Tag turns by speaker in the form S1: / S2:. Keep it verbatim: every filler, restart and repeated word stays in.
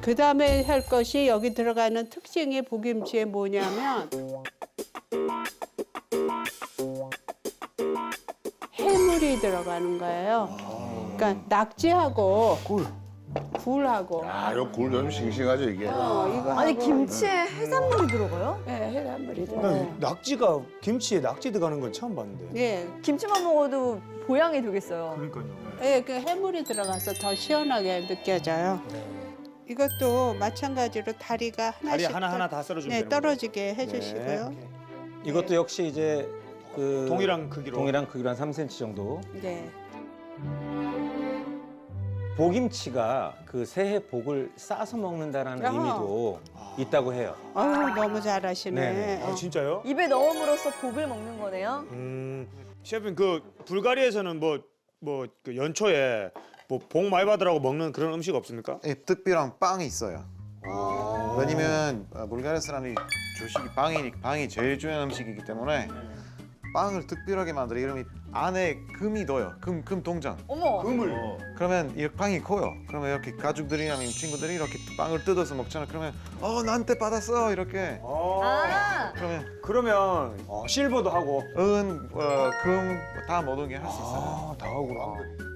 S1: 그 다음에 할 것이 여기 들어가는 특징이 보김치에 뭐냐면 해물이 들어가는 거예요. 그러니까 낙지하고
S2: 꿀.
S1: 굴하고.
S3: 아, 이거 굴 좀 싱싱하죠 이게.
S1: 어, 이거
S4: 아니
S1: 하고,
S4: 김치에 해산물이 들어가요?
S1: 네, 해산물이
S2: 나
S1: 들어가요.
S2: 낙지가 김치에 낙지 들어가는 건 처음 봤는데.
S1: 예,
S4: 김치만 먹어도 보양이 되겠어요.
S2: 그러니까요.
S1: 예, 그 해물이 들어가서 더 시원하게 느껴져요. 이것도 마찬가지로 다리가
S2: 다리
S1: 하나씩
S2: 하나 하나
S1: 떠-
S2: 다 썰어주면
S1: 네,
S2: 되는 거예요?
S1: 떨어지게 해주시고요.
S2: 네.
S5: 이것도 역시 이제 그
S2: 동일한 크기로.
S5: 동일한 크기로 한 삼 센티미터 정도.
S1: 네.
S5: 보김치가 그 새해 복을 싸서 먹는다라는
S1: 아하.
S5: 의미도 있다고 해요.
S1: 아유, 너무 잘하시네.
S5: 네네.
S2: 아 진짜요?
S4: 입에 넣음으로써 복을 먹는 거네요.
S2: 음, 셰프님 그 불가리아에서는 뭐 뭐 그 연초에 뭐 복 많이 받으라고 먹는 그런 음식 없습니까?
S6: 예, 특별한 빵이 있어요. 왜냐면 어, 불가리아 사람이 주식이 빵이 빵이 제일 중요한 음식이기 때문에 빵을 특별하게 만들어. 이름이 안에 금이 넣어요. 금, 금 동전.
S4: 어머.
S2: 금을.
S6: 그러면 이 빵이 커요. 그러면 이렇게 가족들이 아니면 친구들이 이렇게 빵을 뜯어서 먹잖아. 그러면 어 나한테 받았어 이렇게.
S4: 아.
S6: 그러면
S2: 그러면 어, 실버도 하고.
S6: 은, 어, 금 다 모든 게 할 수 있어요.
S2: 아, 다 하구나.